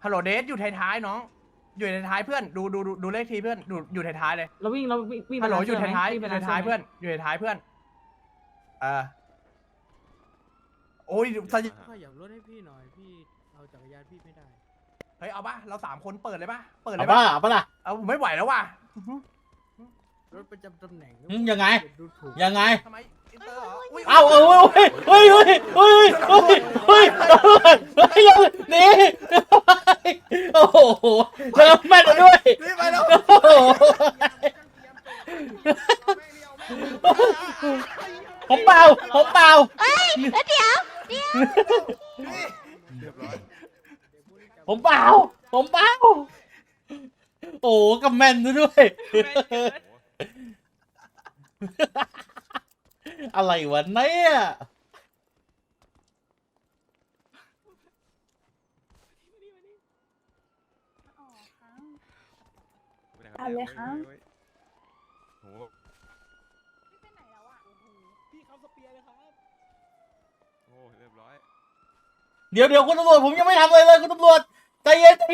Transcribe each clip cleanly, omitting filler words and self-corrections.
ฮัลโหลเดทอยู่ท้ายๆน้องอยู่ท้ายๆเพื่อนดูเลขทีเพื่อนอยู่ท้ายๆเลยเราวิ่งฮัลโหลอยู่ไปท้ายๆอวิ่งไปยู่ท้ายๆเพื่อนอยู่ท้ายๆเพื่อนโอ้ยสยขยับรถให้พี่หน่อยพี่เอาจักรยานพี่ไม่ได้เฮ้ยเอาป่ะเรา3 คนเปิดเลยป่ะเปิดเลเอายปะป่ะล่ะเอาปะล่ะเอาผมไม่ไหวแล้วว่ะรถประจำตำแหน่งยังไงดูถูกยังไงทำไมอินเตอร์เหรออุ๊ยเอาเฮ้ยนี่โอ้โหเริ่มแม่นด้วยนี่ไปแล้วโอ้โหผมเปล่าผมเปล่าแล้วเดี๋ยวผมเปล่าผมเปล่าโอ้กับแม่นด้วยอะไรวะเนี่ยเอาเลยครับโอ้โหไปไหนแล้วอ่ะพี่เขาสเปียร์เลยครับโอ้เรียบร้อยเดี๋ยวคุณตำรวจผมยังไม่ทำอะไรเลยคุณตำรวจใจเย็น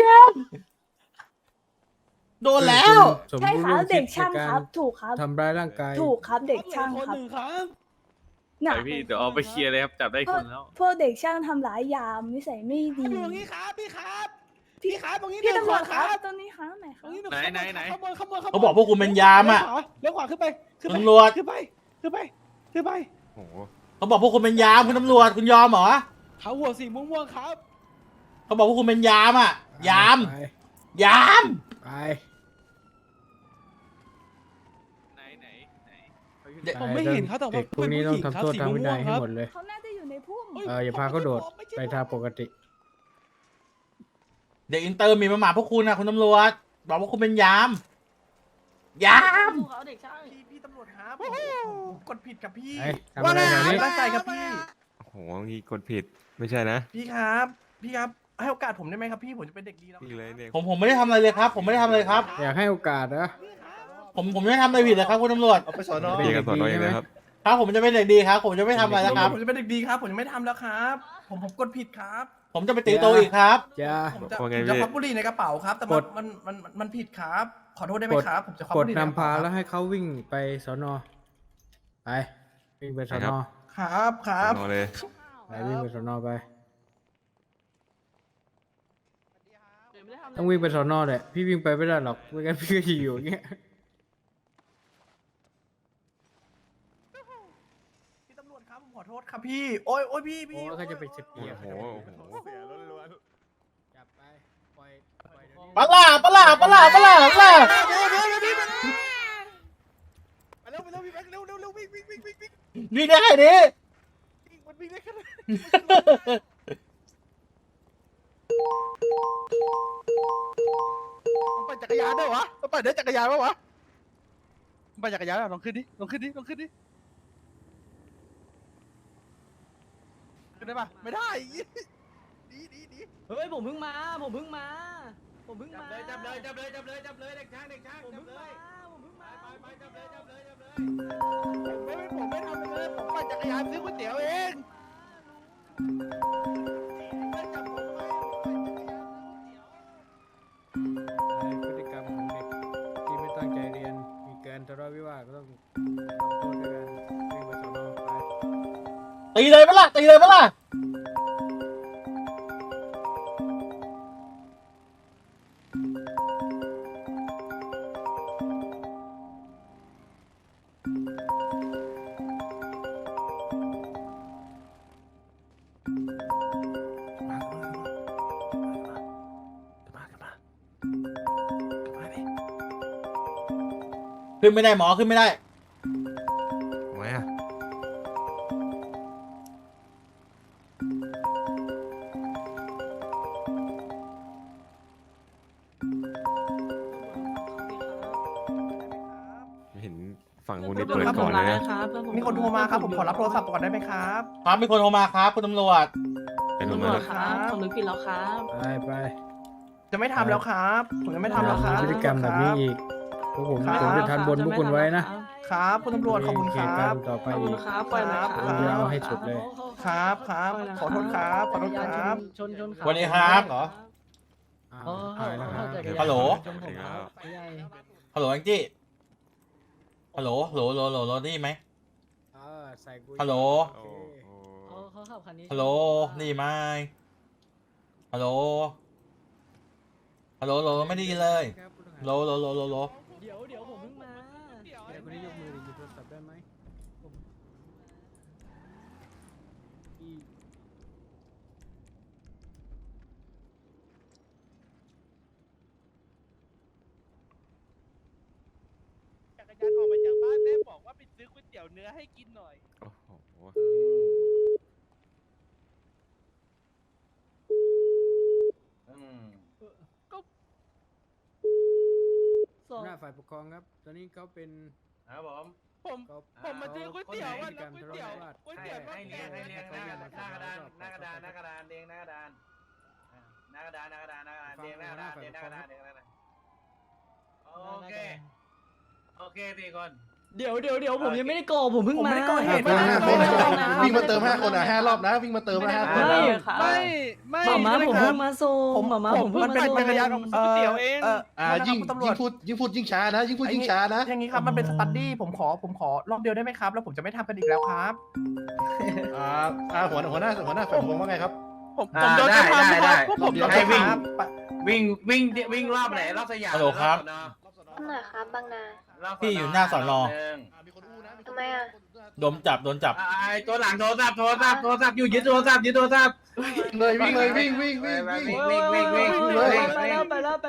โดนแล้วใช่ครับเด็กช่างครับ ถูกครับทำร้ายร่างกายถูกครับเด็กช่างครับครับน่ะพี่เดี๋ยวเอาไปเคลียร์เลยครับจับได้คนแล้วพวกเด็กช่างทำร้ายยามนิสัยไม่ดีตรงนี้ครับพี่ครับพี่ครับตรงนี้พี่เดินตำรขววาจคครัรับบตรงนี้ครับไหนคตรรับงนี้ไหนขบวนเขาบอกพวกคุณเป็นยามอ่ะเลี้ยวขวาขึ้นไปขึ้นไปตำรวจขึ้นไปขึ้นไปโอ้โหเขาบอกพวกคุณเป็นยามคุณตำรวจคุณยอมเหรอเขาหัวสีม่วงๆครับเขาบอกพวกคุณเป็นยามอ่ะยามไปยามไป ผมไม่เห็นเขาแต่ว่าเด็กพวกนี้ต้องทำโทษทางวินัยให้หมดเลยเขาน่าจะอยู่ในพุ่มอย่าพาเขาโดดไปทางปกติเด็กอินเตอร์มีมาหมาพวกคุณนะคุณตำรวจบอกว่าคุณเป็นยามยามเขาเด็กช่างพี่ตำรวจครับผมกดผิดกับพี่ไอ้ทำอะไรแถวนี้ตั้งใจครับพี่โอ้โหนี่กดผิดไม่ใช่นะพี่ครับให้โอกาสผมได้ไหมครับพี่ผมจะเป็นเด็กดีแล้วนี่เลยเนี่ยผมไม่ได้ทำอะไรเลยครับ ผมไม่ได้ทำอะไรครับอยากให้โอกาสนะผมไม่ได้ทำอะไรผิดนะครับคุณตำรวจเอาไปสอนอเรียกกันสอนน้อยเลยครับครับผมจะเป็นเด็กดีครับ ผมจะไม่ทำอะไรแล้วครับผมจะเป็นเด็กดีครับผมจะไม่ทำแล้วครับ ผมกดผิดครับผมจะไปตีโตอีกครับจะผมจะว่าไงจะพี่ควักบุหรี่ในกระเป๋าครับ แต่กดมันผิดครับ ขอโทษได้ไหมครับ ผมจะควักกบุดหรี่ในกระนำพาเป๋าแล้วให้เขาวิ่งไปสอนอไปวิ่งไปสอนอครับครับสอนอเลยไปวิ่งไปสอนอไปไม่ได้ทำอะไรต้องวิ่งไปสอนอแหละพี่วิ่งไปไม่ได้หรอกไม่งั้นพี่ก็จะอยู่อย่างเงี้ยพี่ตำรวจครับผมขอโทษครับพี่ โอ้ยพี่โอ้เขาจะไปสเปียร์โอ้โหโอ้โหจับไปปล่อยเดี๋ยวนี้ปะล่าไปเร็วพี่แบงค์เร็ววิ่งนี่ได้ดิมันวิ่งได้แค่นั้นมันปั่นจักรยานด้วยวะมันปั่นได้จักรยานปะวะมันปั่นจักรยานลองขึ้นดิขึ้นได้ปะไม่ได้ดีเฮ้ยผมเพิ่งมาผมเพิ่งมาจับเลยเด็กช่างผมเพิ่งมาผมไม่ทำเลยผมปั่นจักรยานซื้อก๋วยเตี๋ยวเองไม่จับผมไว้พฤติกรรมของเด็กที่ไม่ตั้งใจเรียนมีการทะเลาะวิวาทก็ต้องทำโทษด้วยการวิ่งไปสอนอไปตีเลยปะล่ะขึ้นไม่ได้หมอขึ้นไม่ได้ทำไมอ่ะ ไม่เห็นฝั่งคุณนี่เปิดก่อนเลยนะมีคนโทรมาครับ ผมขอรับโทรศัพท์ก่อนได้ไหมครับครับมีคนโทรมาครับคุณตำรวจไปดูตำรมาวจครับผมนึกผิดแล้วครับไปจะไม่ทำแล้วครับ ผมจะไม่ทำแล้วครับพฤติกรรมแบบนี้อีกพวกผมจะทันบนพวกคุณไว้นะครับคุณตำรวจขอบคุณคเหตุรัการบณ์ต่อไปขอบคุอีณกครับปล่อยเลยครับผมจะเอาให้สุดเลยครับขอโทษครับจักรยานชนวันนี้ครับเหรอฮัลโหลสวัสดีครับใหญ่ฮัลโหลแองจี้ฮัลโหลโหลโหลโหลโหลได้ยินไหมใส่กูฮัลโหลโอโอ้เคโหเขาขับคันนี้ฮัลโหลได้ยินไหมฮัลโหลฮัลโหลโหลไม่ได้ยินเลยครับผู้ต้องหาโหลโหลโหลโหลโหลเดี๋ยวผมเพิ่งมาเดี๋ยวคนนี้ยกมือดิหยิบโทรศัพท์ได้ไหมอีจักรยานออกมาจากบ้านแม่บอกว่าไปซื้อก๋วยเตี๋ยวเนื้อให้กินหน่อยโอ้โหสองหน้าฝ่ายปกครองครับ ตอนนี้เขาเป็นครับผมผมมาซื้อก๋วยเตี๋ยวอ่ะแล้วก๋วยเตี๋ยวก๋วยเตี๋ยวให้เรียงให้เรียงหน้ากระดานหน้ากระดานหน้ากระดานเรียงหน้ากระดานหน้ากระดานหน้ากระดานหน้ากระดานเรียงหน้ากระดานเรียงหน้ากระดานเรียงหน้ากระดานโอเคโอเคสี่คนเดี๋ยวผมยังไม่ได้ก่อผมเพิ่งผมมาไม่ได้ก่อเหตุวิ่งมาเติม5 คนอ่ะ5 รอบนะวิ่งมาเติม5 คนไม่ไม่หมาผมเพิ่งมาส่งหมาผมเพิ่งมันมาเป็นส่งจักรยานก๋วยเตี๋ยวเองยิ่งตำรวจพูดยิ่งช้านะยิ่งพูดยิ่งช้านะอย่างนี้ครับมันเป็นสตัดดี้ผมขอรอบเดียวได้ไหมครับแล้วผมจะไม่ทำกันอีกแล้วครับหัวหน้าฝ่ายปกครองว่าไงครับผมโดนกระทำครับพวกผมให้วิ่งรอบไหนรอบสยามฮัลโหลครับหน่อยครับบางนาพี่อยู่หน้าสอนอทำไมอ่ะโดนจับไอ้ตัวหลังโทรศัพท์อยู่ยึดโทรศัพท์วิ่งเลยวิ่งวิ่งไปแล้ว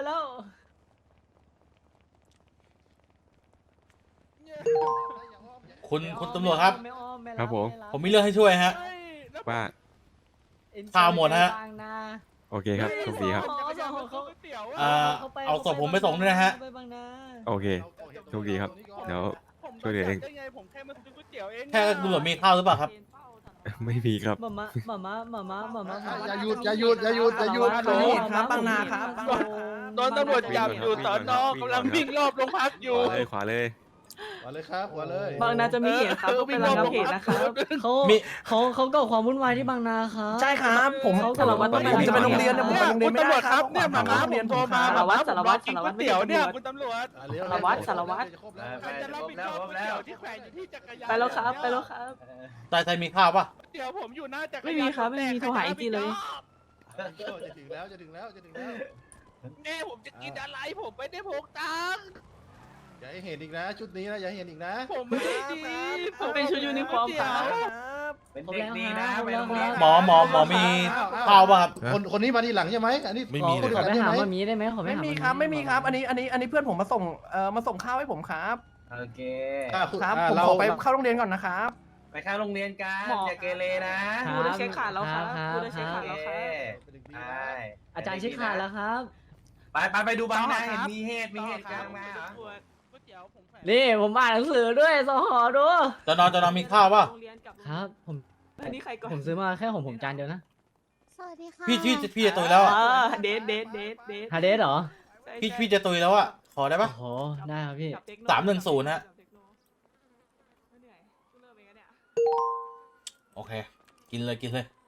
คุณตำรวจครับไม่อ้อมไม่ครับผมผมมีเรื่องให้ช่วยฮะว่าข่าวหมดฮะโอเคครับโชคดีครับเอาศพผมไปส่งด้วยนะฮะไปบางนาโอเคโชคดีครับ เดี๋ยว ช่วยเหลือเองผมแค่มาซื้อก๋วยเตี๋ยวเองแค่ตำรวจมีข้าวหรือเปล่าครับไม่มีครับหมาอย่าหยุดครับบางนาครับบางนาโดนตำรวจจับอยู่สอนอกำลังวิ่งรอบโรงพักอยู่ขวาเลยหัวเลยครับหัวเลยบางนาจะมีเหตุครับเป็นระงับเหตุนะครับเขาก่อความวุ่นวายที่บางนาครับใช่ครับผมเขาสารวัตรผมจะไปโรงเรียนเนี่ยผมไปโรงเรียนไม่ได้ครับเนี่ยหมาม้าผมโทรมาสารวัตรกินก๋วยเตี๋ยวเนี่ยคุณตำรวจสารวัตรใครจะรับผิดชอบก๋วยเตี๋ยวที่แขวนอยู่ที่จักรยานไปแล้วครับใครมีข้าวป่ะเดี๋ยวผมอยู่หน้าจักรยานไม่มีครับไม่มีโทรหาไอจีเลยจะถึงแล้วแม่ผมจะกินอะไรผมไม่ได้พกตังค์อย่าให้เห็นอีกนะชุดนี้นะอย่าให้เห็นอีกนะผมไม่ได้ดีมันเป็นชุดยูนิฟอร์มครับเป็นเด็กดีนะไปโรงคเรีรัยนบหมอมีข้าวป่ะครับคนนี้มาทีหลังใช่ไหมอันนี้ไม่มีเลยขอไปหามามีได้ไหมขอไปไม่หามีครับไม่มีครับ อันนี้เพื่อนผมมาส่งข้าวให้ผมครับโอเคครับผมขอไปเข้าโรงเรียนก่อนนะครับไปเข้าโรงเรียนกันอย่าเกเรนะครูได้เช็คขาดแล้วครับครูได้เช็คขาดแล้วครับใช่อาจารย์เช็คขาดแล้วครับไปดูบ้างนะเห็นมีเหตุกลางมาเหรอก๋วยเตี๋ยวผมแขวนนี่ผมอ่านหนังสือด้วยสหอดูจนมีข้าวป่ะครับผมซื้อมาแค่ของผมจานเดียวนะสวัสดีค่ะพี่จะตุยแล้วอ่ะเดทฮาเดสเหรอพี่จะตุยแล้วอ่ะ ขอได้ป่ะโอ้โหได้ครับพี่ 310ฮะ โอเค กินเลย